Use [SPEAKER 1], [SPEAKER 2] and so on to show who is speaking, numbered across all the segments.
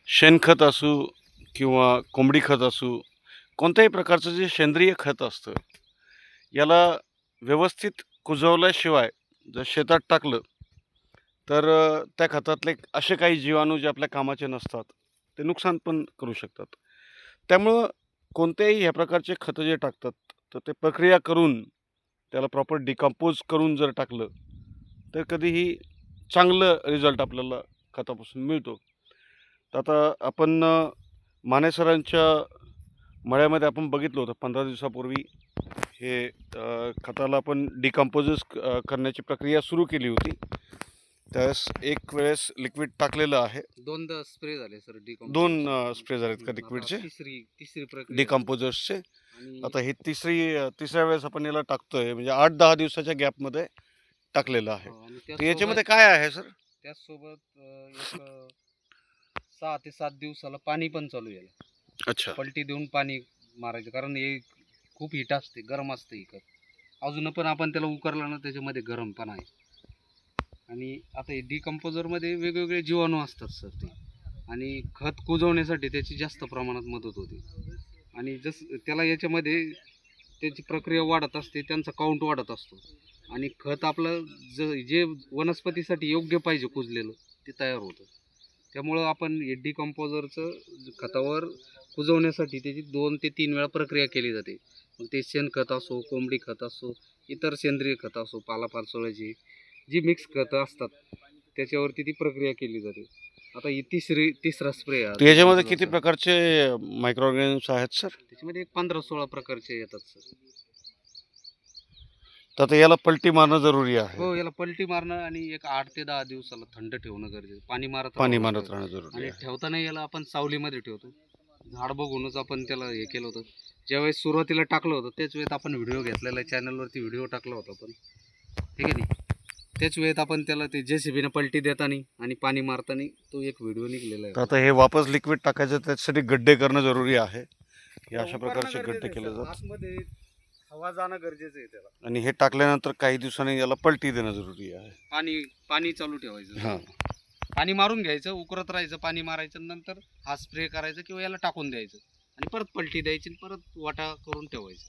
[SPEAKER 1] शेणखत असू किंवा कोंबडी खत असू, कोणत्याही प्रकारचं जे सेंद्रिय खत असतं, याला व्यवस्थित कुजवल्याशिवाय जर शेतात टाकलं, तर त्या खतातले असे काही जीवाणू जे आपल्या कामाचे नसतात, ते नुकसान पण करू शकतात. त्यामुळं कोणत्याही ह्या प्रकारचे खतं जे टाकतात, तर ते प्रक्रिया करून त्याला प्रॉपर डिकंपोज करून जर टाकलं, तर कधीही चांगलं रिझल्ट आपल्याला खतापासून मिळतो. तर आता आपण माने सरांच्या मळ्यामध्ये आपण बघितलं होतं 15 दिवसापूर्वी हे खताला आपण डिकंपोजेस करण्याची प्रक्रिया सुरू केली होती. त्यावेळेस एक वेळेस लिक्विड टाकलेलं आहे.
[SPEAKER 2] दोनदा स्प्रे झाले सर
[SPEAKER 1] दोन
[SPEAKER 2] डिकम्पोजरचे.
[SPEAKER 1] स्प्रे झालेत का
[SPEAKER 2] आता
[SPEAKER 1] लिक्विडचे
[SPEAKER 2] तिसरी प्रक्रिया
[SPEAKER 1] डिकंपोजर्सचे.
[SPEAKER 2] आणि
[SPEAKER 1] आता ही तिसऱ्या वेळेस आपण याला टाकतोय, म्हणजे 8-10 दिवसाच्या गॅपमध्ये टाकलेलं आहे.
[SPEAKER 2] आणि
[SPEAKER 1] तर याच्यामध्ये काय आहे सर?
[SPEAKER 2] त्याचसोबत एक 6 ते 7 दिवसाला पाणी पण चालू आहे याला.
[SPEAKER 1] अच्छा.
[SPEAKER 2] पलटी देऊन पाणी मारायचं, कारण हे खूप हिट असते, गरम असते ही खत. अजून पण आपण त्याला उकरलं ना त्याच्यामध्ये गरम पण आहे. आणि आता हे डिकम्पोजरमध्ये वेगवेगळे जीवाणू असतात सर ते, आणि खत कुजवण्यासाठी त्याची जास्त प्रमाणात मदत होते. आणि त्याला याच्यामध्ये त्याची प्रक्रिया वाढत असते, त्यांचा काउंट वाढत असतो, आणि खत आपलं जे वनस्पतीसाठी योग्य पाहिजे कुजलेलं ते तयार होतं. त्यामुळं आपण हे डिकम्पोजरचं खतावर कुजवण्यासाठी त्याची 2 ते 3 वेळा प्रक्रिया केली जाते. मग ते शेणखत असो, कोंबडी खत असो, इतर सेंद्रिय खत असो, पालापाचोळ्याची जी मिक्स खतं असतात त्याच्यावरती ती प्रक्रिया केली जाते. आता ही तिसरा स्प्रे
[SPEAKER 1] तर याच्यामध्ये किती प्रकारचे मायक्रो ऑर्गॅनिम्स आहेत सर?
[SPEAKER 2] त्याच्यामध्ये एक 15-16 प्रकारचे येतात सर.
[SPEAKER 1] तर आता याला पलटी मारणं जरुरी आहे.
[SPEAKER 2] हो, याला पलटी मारणं आणि एक 8 ते 10 दिवसाला थंड ठेवणं गरजेचं. पाणी मारत
[SPEAKER 1] राहणं जरुरी
[SPEAKER 2] आणि
[SPEAKER 1] आहे.
[SPEAKER 2] ठेवताना याला आपण सावलीमध्ये ठेवतो. झाड बघूनच आपण त्याला हे केलं होतं. ज्यावेळेस सुरुवातीला टाकलं होतं त्याच वेळेत आपण व्हिडिओ घेतलेला आहे, चॅनलवरती व्हिडिओ टाकला होता पण, ठीक आहे नाही. त्याच वेळेत आपण त्याला ते JCBने पलटी देताना आणि पाणी मारताना तो एक व्हिडिओ निघलेला
[SPEAKER 1] तर
[SPEAKER 2] आहे.
[SPEAKER 1] आता हे वापस लिक्विड टाकायचं, त्याच्यासाठी गड्डे करणं जरुरी आहे. हे अशा प्रकारचे गड्डे केले जातात
[SPEAKER 2] आतमध्ये हवा जाणं गरजेचं आहे त्याला.
[SPEAKER 1] आणि हे टाकल्यानंतर काही दिवसांनी याला पलटी देणं जरुरी आहे.
[SPEAKER 2] पाणी चालू ठेवायचं.
[SPEAKER 1] हां.
[SPEAKER 2] पाणी मारून घ्यायचं, उकरत राहायचं, पाणी मारायचं, नंतर हा स्प्रे करायचा किंवा याला टाकून द्यायचं आणि परत पलटी द्यायची आणि परत वाटा करून ठेवायचं.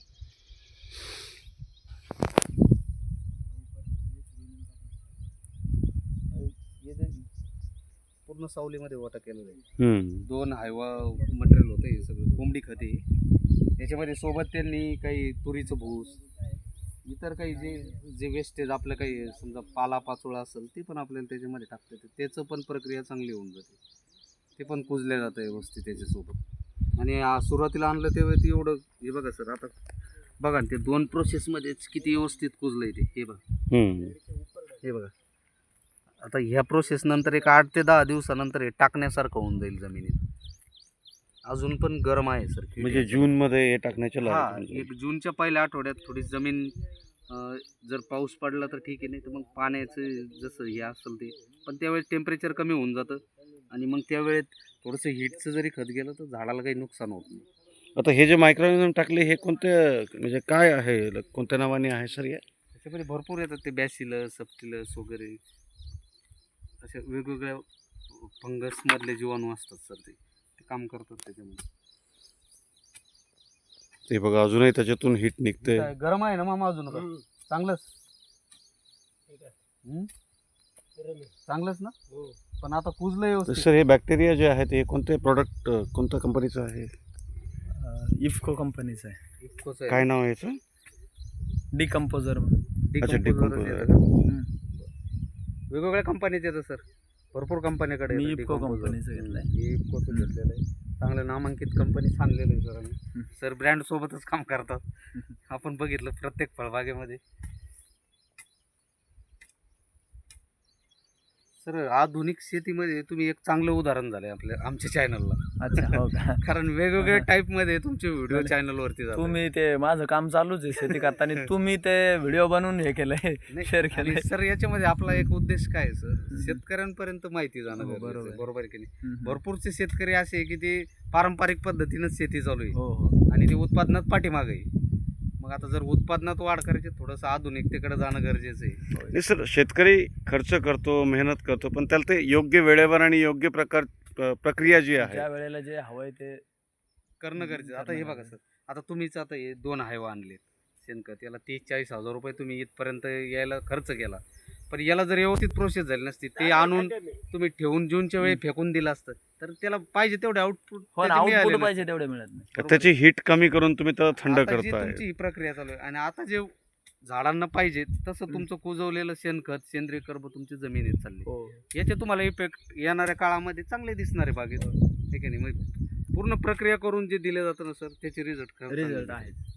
[SPEAKER 2] पूर्ण सावलीमध्ये वाटा केलेला आहे. 2 हायवा मटेरियल होतं हे सगळं, कोंबडी खते. याच्यामध्ये सोबत त्यांनी काही तुरीचं भूस, इतर काही जे वेस्टेज आपलं काही समजा पालापाचोळा असेल ते पण आपल्याला त्याच्यामध्ये टाकता येतं. त्याचं पण प्रक्रिया चांगली होऊन जाते, ते पण कुजलं जातं व्यवस्थित त्याच्यासोबत. आणि सुरुवातीला आणलं तेव्हा ते एवढं, हे बघा सर, आता बघा ना, ते 2 प्रोसेसमध्येच किती व्यवस्थित कुजलं ते. हे बघा, हे बघा. आता ह्या प्रोसेस नंतर एक 8 ते 10 दिवसानंतर हे टाकण्यासारखं होऊन जाईल जमिनीत. अजून पण गरम आहे सर.
[SPEAKER 1] म्हणजे जूनमध्ये हे टाकण्याच्या
[SPEAKER 2] हा, एक जूनच्या पहिल्या आठवड्यात थोडी जमीन जर पाऊस पडला तर ठीक आहे, नाही तर मग पाण्याचं जसं हे असेल ते, पण त्यावेळेस टेम्परेचर कमी होऊन जातं आणि मग त्यावेळेत थोडंसं हीटचं जरी खत गेलं तर झाडाला काही नुकसान होत नाही.
[SPEAKER 1] आता हे जे मायक्रो ऑर्गॅनिझम टाकले, हे कोणत्या, म्हणजे काय आहे, कोणत्या नावाने आहे सर हे?
[SPEAKER 2] त्याच्यामध्ये भरपूर येतात ते, बॅसिलस, सब्टिलस वगैरे अशा वेगवेगळ्या फंगसमधले जीवाणू असतात सर, ते काम करतात त्याच्यामध्ये.
[SPEAKER 1] ते बघा, अजूनही त्याच्यातून हीट निघते.
[SPEAKER 2] गरम आहे ना मामा अजून? चांगलंच चांगलंच ना. पण आता कुजलं व्यवस्थित.
[SPEAKER 1] सर हे बॅक्टेरिया जे आहेत, हे कोणते प्रोडक्ट, कोणत्या कंपनीचं आहे?
[SPEAKER 3] इफ्को कंपनीचं आहे.
[SPEAKER 2] इतकंच आहे.
[SPEAKER 1] काय नाव आहे याचं?
[SPEAKER 3] डिकम्पोजर.
[SPEAKER 1] अच्छा, डिकंपोजर.
[SPEAKER 2] वेगवेगळ्या कंपनीचे येतं सर, भरपूर कंपनीकडे
[SPEAKER 3] मी
[SPEAKER 2] येतं
[SPEAKER 3] इफ्को
[SPEAKER 2] decomposer.
[SPEAKER 3] कंपनीचं घेतलंय.
[SPEAKER 2] हे इफ्कोचं घेतलेलं आहे. चांगलं नामांकित कंपनी आणलेलं आहे सर. आणि सर ब्रँड सोबतच काम करतात. आपण बघितलं प्रत्येक फळबागेमध्ये. सर आधुनिक शेतीमध्ये तुम्ही एक चांगलं उदाहरण झालंय आमच्या चॅनलला.
[SPEAKER 3] अच्छा, हो का?
[SPEAKER 2] कारण वेगवेगळ्या टाईपमध्ये तुमचे व्हिडिओ चॅनलवरती जातात.
[SPEAKER 3] तुम्ही ते माझं काम चालूच आहे शेती करताना, तुम्ही ते व्हिडिओ बनवून हे केलंय, शेअर केलंय.
[SPEAKER 2] सर याच्यामध्ये आपला एक उद्देश काय आहे सर, शेतकऱ्यांपर्यंत माहिती जाणं
[SPEAKER 3] हो,
[SPEAKER 2] गरजेचं आहे.
[SPEAKER 3] बरोबर.
[SPEAKER 2] बरोबर आहे की नाही?
[SPEAKER 3] हम्म.
[SPEAKER 2] भरपूरचे शेतकरी असे आहे की ते पारंपरिक पद्धतीनंच शेती चालू आहे
[SPEAKER 3] हो हो.
[SPEAKER 2] आणि ते उत्पादनात पाठीमागे आहे. मग आता जर उत्पादनात वाढ करायची, थोडंसं आधुनिकतेकडे जाणं गरजेचं आहे.
[SPEAKER 1] नाही सर, शेतकरी खर्च करतो, मेहनत करतो, पण त्याला ते योग्य वेळेवर आणि योग्य प्रक्रिया जी आहे
[SPEAKER 3] ज्या वेळेला जे हवंय ते
[SPEAKER 2] करणं गरजेचं. आता हे बघा सर, आता तुम्हीच आता हे 2 हायवा आणलेत शेणखत, याला 30-40 हजार रुपये तुम्ही इथपर्यंत यायला खर्च केला. पण याला जर व्यवस्थित प्रोसेस झाली नसती, ते आणून तुम्ही ठेवून जूनच्या वेळी फेकून दिलं असतं, तर त्याला पाहिजे तेवढे आउटपुट
[SPEAKER 3] हो ना, आउटपुट पाहिजे तेवढे मिळत नाही.
[SPEAKER 1] त्याची हीट कमी करून तुम्ही त्याला थंड
[SPEAKER 2] आता जी
[SPEAKER 1] करताय.
[SPEAKER 2] तुमची ही प्रक्रिया चालू आहे आणि आता जे झाडांना पाहिजे तसं तुमचं कुजवलेलं शेणखत, सेंद्रिय कर्ब तुमची जमिनीत चालली.
[SPEAKER 3] हो
[SPEAKER 2] याचे तुम्हाला इफेक्ट येणाऱ्या काळामध्ये चांगले दिसणार आहे बागेत. ठीक आहे नाही, मग पूर्ण प्रक्रिया करून जे दिले जातं ना सर, त्याचे रिझल्ट
[SPEAKER 3] रिझल्ट आहे.